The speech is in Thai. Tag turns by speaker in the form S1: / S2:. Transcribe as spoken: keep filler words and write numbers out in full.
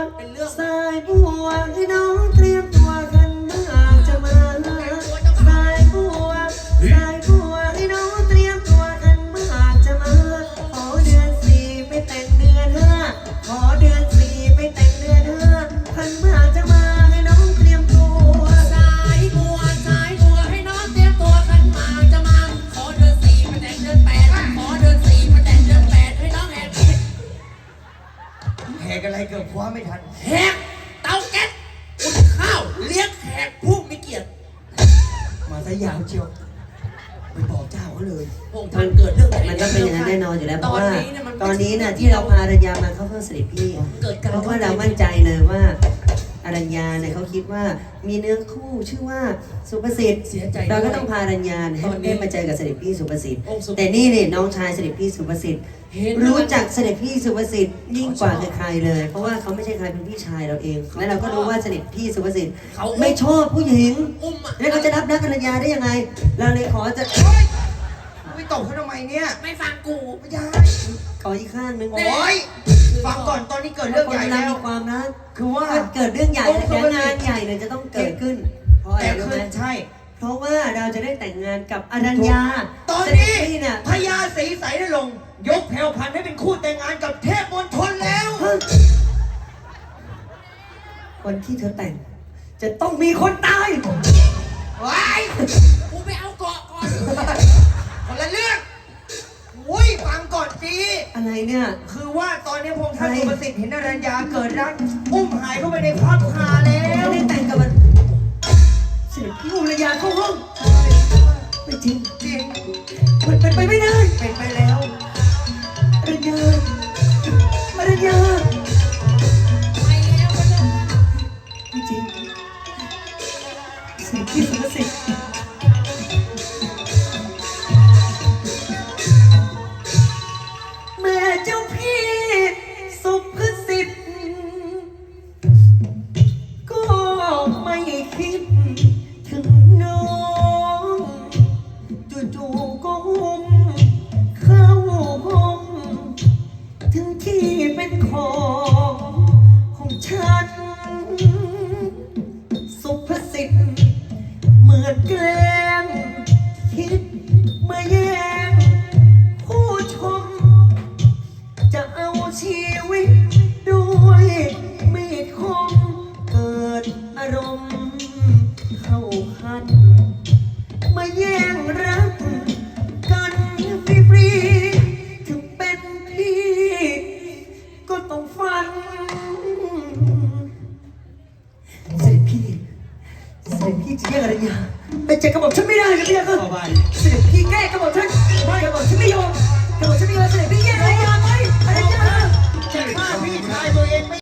S1: เป็นเรื่อง
S2: สายบัวให้น้องเตรียมตัวกันเมื่อจะมาสายบัวสายบัวให้น้องเตรียมตัวกันเมื่อจะมาขอเดือนสี่ไปแต่งเดือนห้าขอเดือนสี่ไปแต่งเดือนห้าคันเมื่อจะมาให้น้องเตรียมตัว
S1: สายบัวสายบัวให้น้องเตรียมตัวขันหมากจะมาขอเดือนสี่ไปแต่งเดือนแปดขอเดือนสี่ไปแต่งเดือนแปดให้น้องแหก
S3: แหกอะไรเกือบคว้าไม่ทัน
S1: แหกเตาแก๊สอุ่นข้าวเลี้ยงแขกผู้มีเกียรติ
S3: มาซะยาวเชียวไปบอกเจ้าเขาเลย
S1: พงท่านเกิดเรื่อง
S2: มันก็เป็นอย่างนั้นแน่นอนอยู่แล้วเพราะว่า
S1: ตอนนี้เนี่ยมัน
S2: ตอนนี้น่ะที่เราพาอรัญญามาเข้าเพื่อเสด็จพี่
S1: เกิดการ
S2: เพราะว่าเรามั่นใจเลยว่าอรัญญาเนี่ยเขาคิดว่ามีเนื้อคู่ชื่อว่าสุภสิทธิ์
S1: เสียใจ
S2: เราก็
S1: ด้วย
S2: ต้องพาอรัญญาเนี่ยให้
S1: ตอนนี้
S2: ได้มาเจอกับเสด็จพี่สุภสิทธิ์
S1: องค์สุภ
S2: แต่นี่เนี่ยน้องชายเสด็จพี่สุภสิทธิ์
S1: เห็น
S2: รู้จักเสด็จพี่สุภสิทธิ์ยิ่งกว่าใครๆเลย เพราะว่าเขาไม่ใช่ใครเป็นพี่ชายเราเองและเราก็รู้ว่าเสด็จพี่สุภสิทธิ์
S1: เขา
S2: ไม่ชอบผู้หญิง
S1: อุ้มอ่ะ
S2: แล้วเขาจะรับรักอรัญญาได้ยังไง เราเลยขอจะ
S3: ไม่ตบเขาทำไมเนี่ย
S1: ไม่ฟังกู
S3: ไม่ได้
S2: ขออีกข้างหนึง
S3: โอ้ยฟังก่อนตอนนี้เกิดเรื่องใหญ่
S2: คน
S3: แล้
S2: เรา
S3: ว
S2: มีความรัก
S3: คือว่า
S2: ถ้าเกิดเรื่องใหญ่
S3: องค์สุ
S2: แล้ว
S3: ภสิทธิ์
S2: งานใหญ่เนี่ยจะต้องเกิดขึ้น เพราะอะไร
S3: แต่
S2: รู้
S3: คื
S2: ไหม
S3: อใช่
S2: เพราะว่าเราจะได้แต่งงานกับอรัญญา
S3: ตอนนี้
S2: เสด็จพี่เนี่ย
S3: พญาศรีใสนรงค์ยกแผ่วพันธุ์ให้เป็นคู่แต่งงานกับเทพมณฑลแล้ว
S2: ฮะคนที่เธอแต่ง จะต้องมีคนตาย
S3: ว้าย
S1: กูไปเอาเกาะก่อน
S3: คนละเรื่องอุ้ยฟังก่อนสิ
S2: อะไรเนี่ย
S3: คือว่าตอนนี้พงษ์ท่าน
S2: ใคร
S3: สุประสิทธิ์เห็นอรัญญาเกิดรักอุ้มหายเข้าไปในพับคาแล้
S2: จะ
S3: ว
S2: ได้แต่งกับมันเสด็จพี่อุรยาเข้าห้องไม่จริง
S3: จริง
S2: มันเป็นไปไม่ได้
S3: เป็นไปแล้ว
S2: อรัญญาอรัญญา
S1: ไปแล้วก็เลิก
S2: ไม่จริงเสด็จพี่สุภสิทธิ์แม่เจ้าพี่สุภสิทธิ์ก็ไม่คิดถึงน้องจู่ๆก็หุ้มเข้าห้องถึงที่เป็นของของฉันสุภสิทธิ์เหมือนแกล้งคิดมาแย่งผู้ชม จะเอาชีวิตด้วยมีดคมเกิดอารมณ์เข้าคัน มาแย่งรักกันฟรีๆถึงเป็นพี่ ก็ต้องฟัน เสด็จพี่ เสด็จพี่จะแย่งอรัญญาเป็นจักรบอกฉันไม่ได้นะพี่ค่ะ
S3: ขอบาน
S2: เสด็จ